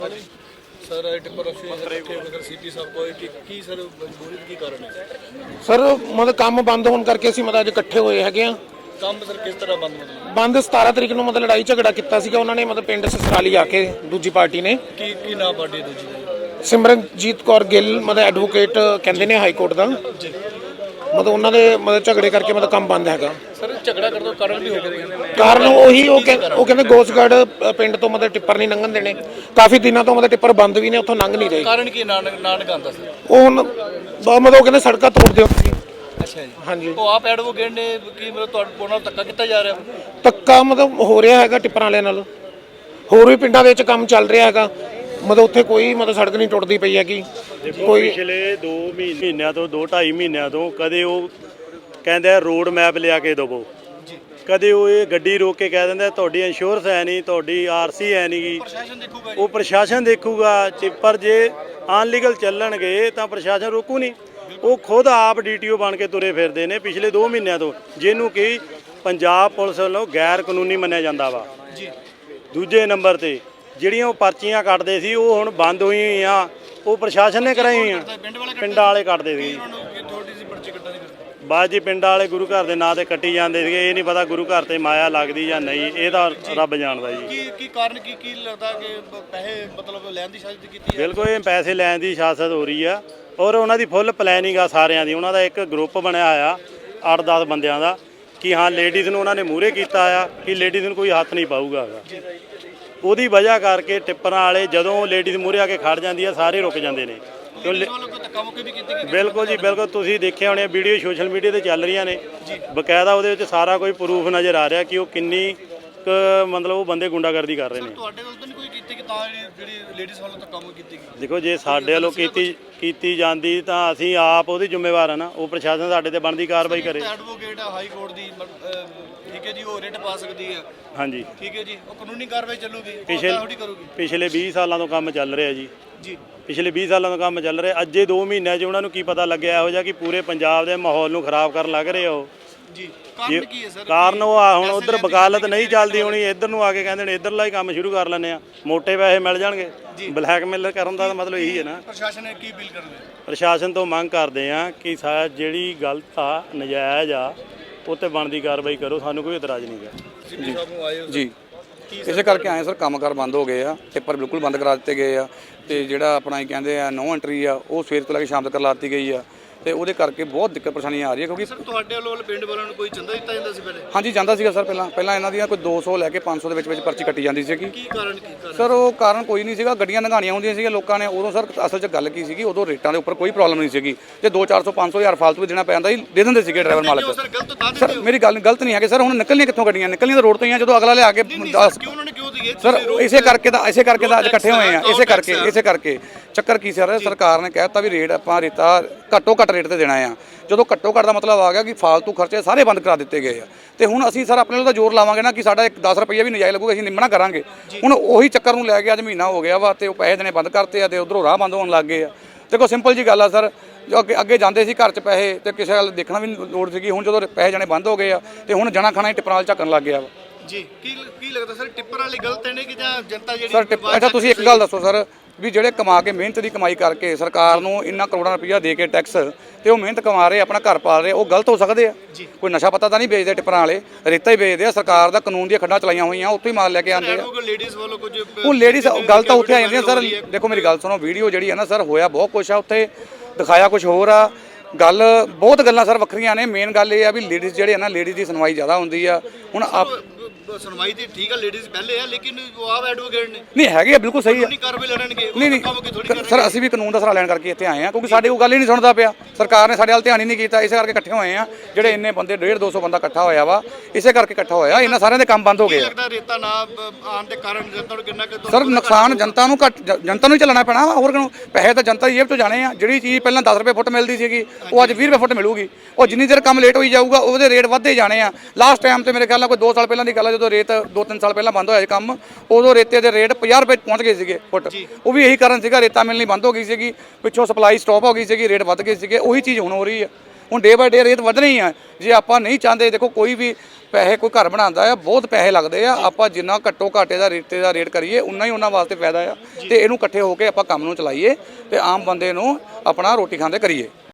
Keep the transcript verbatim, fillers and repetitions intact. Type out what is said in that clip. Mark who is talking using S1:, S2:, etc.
S1: Sir tipper CP साहब को कि, की सर मजबूरी की कारण है
S2: सर मतलब काम बंद होने करके ਅਸੀਂ ਮਤਲਬ ਅੱਜ ਇਕੱਠੇ ਹੋਏ ਹੈਗੇ ਆ।
S1: ਕੰਮ ਸਰ ਕਿਸ ਤਰ੍ਹਾਂ ਬੰਦ ਮਤਲਬ
S2: ਬੰਦ ਸਤਾਰਾਂ ਤਰੀਕ ਨੂੰ ਮਤਲਬ ਲੜਾਈ ਝਗੜਾ ਕੀਤਾ ਸੀਗਾ ਉਹਨਾਂ ਨੇ ਮਤਲਬ ਪਿੰਡ ਸਸਰਾਲੀ ਆ ਕੇ ਦੂਜੀ ਪਾਰਟੀ ਨੇ
S1: ਕੀ ਕੀ ਨਾਮ ਪਾਰਟੀ ਦੂਜੀ ਦਾ
S2: ਸਿਮਰਨਜੀਤ ਕੌਰ ਗਿੱਲ ਮਤਲਬ ਐਡਵੋਕੇਟ ਕਹਿੰਦੇ ਨੇ ਹਾਈ ਕੋਰਟ ਦਾ
S1: ਜੀ
S2: ਮਤਲਬ ਉਹਨਾਂ ਦੇ ਮਤਲਬ ਝਗੜੇ ਕਰਕੇ ਮਤਲਬ ਕੰਮ ਬੰਦ ਹੈਗਾ।
S1: ਸਰ ਝਗੜਾ ਕਰਨ ਦਾ ਕਾਰਨ ਵੀ ਹੋ ਗਿਆ
S2: ਕਾਰਨ ਉਹੀ ਉਹ ਕਹਿ- ਉਹ ਕਹਿੰਦੇ ਗੋਸਗੜ੍ਹ ਪਿੰਡ ਤੋਂ ਮਤਲਬ ਟਿੱਪਰ ਨਹੀਂ ਲੰਘਣ ਦੇਣੇ ਕਾਫੀ ਦਿਨਾਂ ਤੋਂ ਮਤਲਬ ਟਿੱਪਰ ਬੰਦ ਵੀ ਨੇ ਉੱਥੋਂ ਲੰਘ ਨਹੀਂ ਰਹੇ।
S1: ਕਾਰਨ ਕੀ ਨਾਨਕ ਨਾਨਕ ਆਂਦਾ ਸਰ
S2: ਉਹ ਹੁਣ ਬ- ਮਤਲਬ ਉਹ ਕਹਿੰਦੇ ਸੜਕਾਂ ਤੋੜ ਦਿਓ ਤੁਸੀਂ।
S1: ਅੱਛਾ ਜੀ
S2: ਹਾਂਜੀ
S1: ਉਹ ਆਪ ਐਡਵੋਕੇਟ ਨੇ ਕੀ ਮਤਲਬ ਤੁਹਾਡੇ ਨਾਲ ਧੱਕਾ ਕੀਤਾ ਜਾ ਰਿਹਾ
S2: ਧੱਕਾ ਮਤਲਬ ਹੋ ਰਿਹਾ ਹੈਗਾ ਟਿੱਪਰਾਂ ਵਾਲਿਆਂ ਨਾਲ ਹੋਰ ਵੀ ਪਿੰਡਾਂ ਦੇ ਵਿੱਚ ਕੰਮ ਚੱਲ ਰਿਹਾ ਹੈਗਾ ਮਤਲਬ ਉੱਥੇ ਕੋਈ ਮਤਲਬ ਸੜਕ ਨਹੀਂ ਟੁੱਟਦੀ ਪਈ ਹੈਗੀ ਕੋਈ।
S3: ਪਿਛਲੇ ਦੋ ਮਹੀਨਿਆਂ ਤੋਂ ਦੋ ਢਾਈ ਮਹੀਨਿਆਂ ਤੋਂ ਕਦੇ ਉਹ ਕਹਿੰਦੇ ਆ ਰੋਡ ਮੈਪ ਲਿਆ ਕੇ ਦੇਵੋ, ਕਦੇ ਉਹ ਇਹ ਗੱਡੀ ਰੋਕ ਕੇ ਕਹਿ ਦਿੰਦੇ ਤੁਹਾਡੀ ਇੰਸ਼ੋਰੈਂਸ ਹੈ ਨਹੀਂ, ਤੁਹਾਡੀ ਆਰਸੀ ਹੈ ਨਹੀਂ ਗੀ,
S1: ਪ੍ਰਸ਼ਾਸਨ ਦੇਖੂਗਾ
S3: ਉਹ ਪ੍ਰਸ਼ਾਸਨ ਦੇਖੂਗਾ। ਪਰ ਜੇ ਅਨਲੀਗਲ ਚੱਲਣਗੇ ਤਾਂ ਪ੍ਰਸ਼ਾਸਨ ਰੋਕੂ ਨਹੀਂ। ਉਹ ਖੁਦ ਆਪ ਡੀਟੀਓ ਬਣ ਕੇ ਤੁਰੇ ਫਿਰਦੇ ਨੇ ਪਿਛਲੇ ਦੋ ਮਹੀਨਿਆਂ ਤੋਂ, ਜਿਹਨੂੰ ਕਿ ਪੰਜਾਬ ਪੁਲਿਸ ਵੱਲੋਂ ਗੈਰ ਕਾਨੂੰਨੀ ਮੰਨਿਆ ਜਾਂਦਾ ਵਾ।
S1: ਜੀ
S3: ਦੂਜੇ ਨੰਬਰ ਤੇ ਜਿਹੜੀਆਂ ਉਹ ਪਰਚੀਆਂ ਕੱਟਦੇ ਸੀ ਉਹ ਹੁਣ ਬੰਦ ਹੋਈਆਂ ਹੋਈਆਂ, ਉਹ ਪ੍ਰਸ਼ਾਸਨ ਨੇ ਕਰਾਈ ਹੋਈਆਂ, ਪਿੰਡਾਂ ਵਾਲੇ ਕੱਟਦੇ ਸੀ।
S1: ਥੋੜੀ ਸੀ ਪਰਚੀ ਕੱਟਣ ਦੀ
S3: ਬਾਅਦ ਜੀ ਪਿੰਡਾਂ ਵਾਲੇ ਗੁਰੂ ਘਰ ਦੇ ਨਾਂ ਤੇ ਕੱਟੀ ਜਾਂਦੇ ਸੀਗੇ। ਇਹ ਨਹੀਂ ਪਤਾ ਗੁਰੂ ਘਰ ਤੇ ਮਾਇਆ ਲੱਗਦੀ ਜਾਂ ਨਹੀਂ, ਇਹ ਤਾਂ ਰੱਬ ਜਾਣਦਾ ਜੀ।
S1: ਕੀ ਕੀ ਕਾਰਨ ਕੀ ਕੀ ਲੱਗਦਾ ਕਿ ਪੈਸੇ ਮਤਲਬ ਲੈਣ ਦੀ ਸਾਜ਼ਿਸ਼ ਕੀਤੀ ਹੈ
S3: ਬਿਲਕੁਲ ਇਹ ਪੈਸੇ ਲੈਣ ਦੀ ਸਿਆਸਤ ਹੋ ਰਹੀ ਆ ਔਰ ਉਹਨਾਂ ਦੀ ਫੁੱਲ ਪਲੈਨਿੰਗ ਆ ਸਾਰਿਆਂ ਦੀ। ਉਹਨਾਂ ਦਾ ਇੱਕ ਗਰੁੱਪ ਬਣਿਆ ਆ ਅੱਠ ਦਸ ਬੰਦਿਆਂ ਦਾ ਕਿ ਹਾਂ ਲੇਡੀਜ਼ ਨੂੰ ਉਹਨਾਂ ਨੇ ਮੂਹਰੇ ਕੀਤਾ ਆ ਕਿ ਲੇਡੀਜ਼ ਨੂੰ ਕੋਈ ਹੱਥ ਨਹੀਂ ਪਾਊਗਾ। ਉਹਦੀ ਵਜ੍ਹਾ ਕਰਕੇ ਟਿੱਪਰਾਂ ਵਾਲੇ ਜਦੋਂ ਲੇਡੀਜ਼ ਮੂਹਰੇ ਆ ਕੇ ਖੜ ਜਾਂਦੀ ਆ ਸਾਰੇ ਰੁਕ ਜਾਂਦੇ ਨੇ। ਬਿਲਕੁਲ ਜੀ ਬਿਲਕੁਲ ਤੁਸੀਂ ਦੇਖਿਆ ਹੋਣੇ ਵੀਡੀਓ ਸੋਸ਼ਲ ਮੀਡੀਆ ਤੇ ਚੱਲ ਰਹੀਆਂ ਨੇ ਬਕਾਇਦਾ, ਉਹਦੇ ਵਿੱਚ ਸਾਰਾ ਕੋਈ ਪ੍ਰੂਫ ਨਜ਼ਰ ਆ ਰਿਹਾ ਕਿ ਉਹ ਕਿੰਨੀ ਕੁ ਮਤਲਬ ਉਹ ਬੰਦੇ ਗੁੰਡਾਗਰਦੀ ਕਰ ਰਹੇ ਨੇ।
S1: ਤੁਹਾਡੇ ਵੱਲ ਤਾਂ ਨਹੀਂ ਕੋਈ ਕੀਤੀ ਕਿ ਤਾਂ ਜਿਹੜੀ ਲੇਡੀਜ਼ ਵੱਲੋਂ ਤਾਂ ਕੰਮ ਕੀਤੀ ਗਈ?
S3: ਦੇਖੋ ਜੇ ਸਾਡੇ ਵੱਲੋਂ ਕੀਤੀ ਕੀਤੀ ਜਾਂਦੀ ਤਾਂ ਅਸੀਂ ਆਪ ਉਹਦੀ ਜ਼ਿੰਮੇਵਾਰ ਆ ਨਾ, ਉਹ ਪ੍ਰਸ਼ਾਸਨ ਸਾਡੇ ਤੇ ਬਣਦੀ ਕਾਰਵਾਈ ਕਰੇ।
S1: ਐਡਵੋਕੇਟ ਹਾਈ ਕੋਰਟ ਦੀ ਠੀਕ ਹੈ ਜੀ, ਉਹ ਰਿਟ ਪਾ ਸਕਦੀ ਹੈ।
S3: ਹਾਂਜੀ
S1: ਠੀਕ ਹੈ ਜੀ, ਉਹ ਕਾਨੂੰਨੀ ਕਾਰਵਾਈ ਚੱਲੂਗੀ,
S3: ਪਿਛਲੇ
S1: ਥੋੜੀ ਕਰੂਗੀ।
S3: ਪਿਛਲੇ ਵੀਹ ਸਾਲਾਂ ਤੋਂ ਕੰਮ ਚੱਲ ਰਿਹਾ ਜੀ
S1: ਜੀ
S3: ਪਿਛਲੇ ਵੀਹ ਸਾਲਾਂ ਤੋਂ ਕੰਮ ਚੱਲ ਰਿਹਾ। ਅੱਜੇ ਦੋ ਮਹੀਨਿਆਂ 'ਚ ਉਹਨਾਂ ਨੂੰ ਕੀ ਪਤਾ ਲੱਗਿਆ ਇਹੋ ਜਿਹਾ ਕਿ ਪੂਰੇ ਪੰਜਾਬ ਦੇ ਮਾਹੌਲ ਨੂੰ ਖਰਾਬ ਕਰਨ ਲੱਗ ਰਹੇ ਉਹ
S1: ਜੀ। ਕਾਰਨ ਕੀ ਹੈ ਸਰ?
S3: ਕਾਰਨ ਉਹ ਆ ਹੁਣ ਉਧਰ ਵਕਾਲਤ ਨਹੀਂ ਚੱਲਦੀ ਹੋਣੀ, ਇੱਧਰ ਨੂੰ ਆ ਕੇ ਕਹਿੰਦੇ ਨੇ ਇੱਧਰਲਾ ਹੀ ਕੰਮ ਸ਼ੁਰੂ ਕਰ ਲੈਂਦੇ ਆ, ਮੋਟੇ ਪੈਸੇ ਮਿਲ ਜਾਣਗੇ। ਬਲੈਕਮੇਲ ਕਰਨ ਦਾ ਮਤਲਬ ਇਹੀ ਹੈ ਨਾ।
S1: ਪ੍ਰਸ਼ਾਸਨ ਨੇ ਕੀ ਅਪੀਲ ਕਰਨੀ?
S3: ਪ੍ਰਸ਼ਾਸਨ ਤੋਂ ਮੰਗ ਕਰਦੇ ਆ ਕਿ ਸਾ ਜਿਹੜੀ ਗਲਤ ਆ ਨਜਾਇਜ਼ ਆ ਉਹ 'ਤੇ ਬਣਦੀ ਕਾਰਵਾਈ ਕਰੋ, ਸਾਨੂੰ ਕੋਈ ਇਤਰਾਜ਼ ਨਹੀਂ ਗਾ
S4: ਜੀ। ਇਸੇ ਕਰਕੇ ਆਏ ਸਰ, ਕੰਮਕਾਰ ਬੰਦ ਹੋ ਗਏ ਆ, ਟਿੱਪਰ ਬਿਲਕੁਲ ਬੰਦ ਕਰਾ ਦਿੱਤੇ ਗਏ ਆ ਤੇ ਜਿਹੜਾ ਆਪਣਾ ਹੀ ਕਹਿੰਦੇ ਆ ਨੋ ਐਂਟਰੀ ਆ ਉਹ ਸਵੇਰ ਤੋਂ ਲੈ ਕੇ ਸ਼ਾਮ ਤੱਕ ਲਾ ਦਿੱਤੀ ਗਈ ਆ ਤੇ ਉਹਦੇ ਕਰਕੇ ਬਹੁਤ ਦਿੱਕਤ ਪਰੇਸ਼ਾਨੀ ਆ ਰਹੀ ਹੈ। ਕਿਉਂਕਿ
S1: ਸਰ ਤੁਹਾਡੇ ਵੱਲੋਂ ਪਿੰਡ ਵਾਲਿਆਂ ਨੂੰ ਕੋਈ ਚੰਦਾ ਦਿੱਤਾ ਜਾਂਦਾ ਸੀ ਪਹਿਲੇ?
S4: ਹਾਂਜੀ ਜਾਂਦਾ ਸੀਗਾ ਸਰ, ਪਹਿਲਾਂ ਪਹਿਲਾਂ ਇਹਨਾਂ ਦੀਆਂ ਕੋਈ ਦੋ ਸੌ ਲੈ ਕੇ ਪੰਜ ਸੌ ਦੇ ਵਿੱਚ ਵਿੱਚ ਪਰਚੀ ਕੱਟੀ ਜਾਂਦੀ ਸੀਗੀ।
S1: ਕੀ ਕਾਰਨ ਕੀ ਕਾਰਨ
S4: ਸਰ ਉਹ ਕਾਰਨ ਕੋਈ ਨਹੀਂ ਸੀਗਾ, ਗੱਡੀਆਂ ਲੰਘਾਣੀਆਂ ਹੁੰਦੀਆਂ ਸੀਗੀਆਂ ਲੋਕਾਂ ਨੇ ਉਦੋਂ। ਸਰ ਅਸਲ 'ਚ ਗੱਲ ਕੀ ਸੀਗੀ, ਉਦੋਂ ਰੇਟਾਂ ਦੇ ਉੱਪਰ ਕੋਈ ਪ੍ਰੋਬਲਮ ਨਹੀਂ ਸੀਗੀ। ਜੇ ਦੋ ਚਾਰ ਸੌ ਪੰਜ ਸੌ ਹਜ਼ਾਰ ਫਾਲਤੂ ਵੀ ਦੇਣਾ ਪੈਂਦਾ ਸੀ ਦੇ ਦਿੰਦੇ ਸੀਗੇ ਡਰਾਈਵਰ ਮਾਲਕ।
S1: ਸਰ ਗਲਤ ਤਾਂ
S4: ਸਰ ਮੇਰੀ ਗੱਲ ਗਲਤ ਨਹੀਂ ਹੈ ਕਿ ਸਰ ਹੁਣ ਨਿਕਲਣੀਆਂ ਕਿੱਥੋਂ ਗੱਡੀਆਂ? ਨਿਕਲਣੀਆਂ ਤਾਂ ਰੋਡ ਤੋਂ ਹੀ ਆ, ਜਦੋਂ ਅਗਲਾ ਲਿਆ ਕੇ
S1: ਕਿਉਂ ਉਹਨਾਂ ਨੇ ਕਿਉਂ ਦਈਏ
S4: ਸਰ ਇਸੇ ਕਰਕੇ ਤਾਂ ਇਸੇ ਕਰਕੇ ਤਾਂ ਅੱਜ ਇਕੱਠੇ ਹੋਏ ਆ। ਇਸੇ ਕਰਕੇ ਇਸੇ ਕਰਕੇ ਚੱਕਰ ਕੀ ਸਰ, ਸਰਕਾਰ ਨੇ ਕਹਿ ਦਿੱਤਾ ਵੀ ਰੇਟ ਆਪਾਂ ਰੇਤਾ ਘੱਟੋ ਘੱਟ ਰੇਟ ਤੇ ਦੇਣਾ ਆ। ਜਦੋਂ ਘੱਟੋ ਘੱਟ ਦਾ ਮਤਲਬ ਆ ਗਿਆ ਕਿ ਫਾਲਤੂ ਖਰਚੇ ਸਾਰੇ ਬੰਦ ਕਰਾ ਦਿੱਤੇ ਗਏ ਆ ਤੇ ਹੁਣ ਅਸੀਂ ਸਰ ਆਪਣੇ ਵੱਲ ਤਾਂ ਜ਼ੋਰ ਲਾਵਾਂਗੇ ਨਾ ਕਿ ਸਾਡਾ ਇੱਕ ਦਸ ਰੁਪਈਆ ਵੀ ਨਜਾਇਜ਼ ਲੱਗੂਗਾ, ਅਸੀਂ ਨਿਮਣਾ ਕਰਾਂਗੇ। ਹੁਣ ਉਹੀ ਚੱਕਰ ਨੂੰ ਲੈ ਕੇ ਅੱਜ ਮਹੀਨਾ ਹੋ ਗਿਆ ਵਾ ਤੇ ਉਹ ਪੈਸੇ ਦੇਣੇ ਬੰਦ ਕਰਤੇ ਆ ਤੇ ਉਧਰੋਂ ਰਾਹ ਬੰਦ ਹੋਣ ਲੱਗ ਗਏ ਆ। ਦੇਖੋ ਸਿੰਪਲ ਜੀ ਗੱਲ ਆ ਸਰ, ਜੋ ਅੱਗੇ ਅੱਗੇ ਜਾਂਦੇ ਸੀ ਘਰ 'ਚ ਪੈਸੇ ਤੇ ਕਿਸੇ ਵੱਲ ਦੇਖਣਾ ਵੀ ਲੋੜ ਸੀਗੀ। ਹੁਣ ਜਦੋਂ ਪੈਸੇ ਜਾਣੇ ਬੰਦ ਹੋ ਗਏ ਆ ਤੇ ਹੁਣ ਜਣਾ ਖਾਣਾ ਹੀ ਟਿੱਪਰਾਂ ਨਾਲ ਝੱਕਣ ਲੱਗ ਗਿਆ ਵਾ
S1: ਜੀ। ਕੀ ਕੀ ਲੱਗਦਾ ਸਰ ਟਿੱਪਰ ਵਾਲੇ ਗਲਤ ਨੇ ਕਿ ਜਾਂ ਜਨਤਾ ਜਿਹੜੀ?
S4: ਸਰ ਟਿੱਪ ਅੱਛਾ ਤੁਸੀਂ ਇੱਕ ਗੱਲ ਦੱਸੋ ਸਰ, ਵੀ ਜਿਹੜੇ ਕਮਾ ਕੇ ਮਿਹਨਤ ਦੀ ਕਮਾਈ ਕਰਕੇ ਸਰਕਾਰ ਨੂੰ ਇੰਨਾ ਕਰੋੜਾਂ ਰੁਪਈਆ ਦੇ ਕੇ ਟੈਕਸ ਤੇ ਉਹ ਮਿਹਨਤ ਕਮਾ ਰਹੇ ਆਪਣਾ ਘਰ ਪਾਲ ਰਹੇ, ਉਹ ਗਲਤ ਹੋ ਸਕਦੇ ਆ? ਕੋਈ ਨਸ਼ਾ ਪਤਾ ਤਾਂ ਨਹੀਂ ਵੇਚਦੇ ਟਿੱਪਰਾਂ ਵਾਲੇ, ਰੇਤਾ ਹੀ ਵੇਚਦੇ ਆ। ਸਰਕਾਰ ਦਾ ਕਾਨੂੰਨ ਦੀਆਂ ਖੱਡਾਂ ਚਲਾਈਆਂ ਹੋਈਆਂ, ਉੱਥੋਂ ਹੀ ਮਾਲ ਲੈ ਕੇ ਆਉਂਦੇ ਆ।
S1: ਲੇਡੀਜ਼ ਵੱਲੋਂ ਕੁਝ
S4: ਉਹ ਲੇਡੀਜ਼ ਗੱਲ ਤਾਂ ਉੱਥੇ ਆ ਜਾਂਦੀਆਂ ਸਰ। ਦੇਖੋ ਮੇਰੀ ਗੱਲ ਸੁਣੋ, ਵੀਡੀਓ ਜਿਹੜੀ ਆ ਨਾ ਸਰ, ਹੋਇਆ ਬਹੁਤ ਕੁਛ ਆ ਉੱਥੇ, ਦਿਖਾਇਆ ਕੁਛ ਹੋਰ ਆ। ਗੱਲ ਬਹੁਤ ਗੱਲਾਂ ਸਰ ਵੱਖਰੀਆਂ ਨੇ। ਮੇਨ ਗੱਲ ਇਹ ਆ ਵੀ ਲੇਡੀਜ਼ ਜਿਹੜੇ ਆ ਨਾ, ਲੇਡੀਜ਼ ਦੀ ਸੁਣਵਾਈ ਜ਼ਿਆਦਾ ਹੁੰਦੀ ਆ। ਹੁਣ ਆਪ
S1: ਸੁਣਵਾਈ ਤੇ ਠੀਕ ਆ, ਲੇਡੀਜ਼ ਪਹਿਲੇ ਆ, ਲੇਕਿਨ ਉਹ ਆਪ ਐਡਵੋਕੇਟ ਨੇ।
S4: ਨਹੀਂ ਹੈਗੇ ਆ, ਬਿਲਕੁਲ ਸਹੀ ਆ।
S1: ਨਹੀਂ ਕਾਰਵਾਈ ਲੜਨਗੇ।
S4: ਨਹੀਂ ਨਹੀਂ ਸਰ, ਅਸੀਂ ਵੀ ਕਾਨੂੰਨ ਦਾ ਸਹਾਰਾ ਲੈਣ ਕਰਕੇ ਇੱਥੇ ਆਏ ਆ ਕਿਉਂਕਿ ਸਾਡੇ ਉਹ ਗੱਲ ਹੀ ਨਹੀਂ ਸੁਣਦਾ ਪਿਆ। ਸਰਕਾਰ ਨੇ ਸਾਡੇ ਵੱਲ ਧਿਆਨ ਹੀ ਨਹੀਂ ਕੀਤਾ, ਇਸੇ ਕਰਕੇ ਇਕੱਠੇ ਹੋਏ ਆ। ਜਿਹੜੇ ਇੰਨੇ ਬੰਦੇ ਡੇਢ ਦੋ ਸੌ ਬੰਦਾ ਇਕੱਠਾ ਹੋਇਆ ਵਾ, ਇਸੇ ਕਰਕੇ ਇਕੱਠਾ ਹੋਇਆ। ਇਹਨਾਂ ਸਾਰਿਆਂ ਦੇ ਕੰਮ ਬੰਦ ਹੋ ਗਏ ਆ।
S1: ਲੱਗਦਾ ਰੇਤਾ ਨਾ ਆਉਣ ਦੇ ਕਾਰਨ ਜਨਤਾ ਨੂੰ ਕਿੰਨਾ ਕਿ
S4: ਸਰ ਨੁਕਸਾਨ ਜਨਤਾ ਨੂੰ ਘੱਟ ਜਨਤਾ ਨੂੰ ਹੀ ਚੱਲਣਾ ਪੈਣਾ ਵਾ। ਹੋਰ ਕਿਉਂ? ਪੈਸੇ ਤਾਂ ਜਨਤਾ ਦੀ ਜੇਬ ਤੋਂ ਜਾਣੇ ਆ। ਜਿਹੜੀ ਚੀਜ਼ ਪਹਿਲਾਂ ਦਸ ਰੁਪਏ ਫੁੱਟ ਮਿਲਦੀ ਸੀਗੀ ਉਹ ਅੱਜ ਵੀਹ ਰੁਪਏ ਫੁੱਟ ਮਿਲੂਗੀ। ਉਹ ਜਿੰਨੀ ਦੇਰ ਕੰਮ ਲੇਟ ਹੋਈ ਜਾਊਗਾ ਉਹਦੇ ਰੇਟ ਵੱਧਦੇ ਜਾਣੇ ਆ। ਲਾਸਟ ਟਾਈਮ ਤੇ ਮੇਰੇ ਖਿਆਲ ਨਾਲ ਕੋਈ ਦੋ ਸਾਲ ਪਹਿਲਾਂ ਦੀ ਗੱਲ ਆ, ਜਦੋਂ ਰੇਤ ਦੋ ਤਿੰਨ ਸਾਲ ਪਹਿਲਾਂ ਬੰਦ ਹੋਇਆ ਕੰਮ, ਉਦੋਂ ਰੇਤੇ ਦੇ ਰੇਟ ਪੰਜਾਹ ਰੁਪਏ ਪਹੁੰਚ ਗਏ ਸੀਗੇ ਫੁੱਟ। ਉਹ ਵੀ ਇਹੀ ਕਾਰਨ ਸੀਗਾ, ਰੇਤਾ ਮਿਲਣੀ ਬੰਦ ਹੋ ਗਈ ਸੀਗੀ, ਪਿੱਛੋਂ ਸਪਲਾਈ ਸਟਾਪ ਹੋ ਗਈ ਸੀਗੀ, ਰੇਟ ਵੱਧ ਗਏ ਸੀਗੇ। ਉਹੀ ਚੀਜ਼ ਹੁਣ ਹੋ ਰਹੀ ਹੈ। ਹੁਣ ਡੇ ਬਾਏ ਡੇ ਰੇਟ ਵਧਣੇ ਹੀ ਆ। ਜੇ ਆਪਾਂ ਨਹੀਂ ਚਾਹੁੰਦੇ, ਦੇਖੋ ਕੋਈ ਵੀ ਪੈਸੇ ਕੋਈ ਘਰ ਬਣਾਉਂਦਾ ਆ, ਬਹੁਤ ਪੈਸੇ ਲੱਗਦੇ ਆ, ਆਪਾਂ ਜਿੰਨਾ ਘੱਟੋ ਘਾਟੇ ਦਾ ਰੇਟ ਦਾ ਰੇਟ ਕਰੀਏ ਉਨਾ ਹੀ ਉਹਨਾਂ ਵਾਸਤੇ ਫਾਇਦਾ ਆ। ਤੇ ਇਹਨੂੰ ਇਕੱਠੇ ਹੋ ਕੇ ਆਪਾਂ ਕੰਮ ਨੂੰ ਚਲਾਈਏ ਤੇ ਆਮ ਬੰਦੇ ਨੂੰ ਆਪਣਾ ਰੋਟੀ ਖਾਂਦੇ ਕਰੀਏ।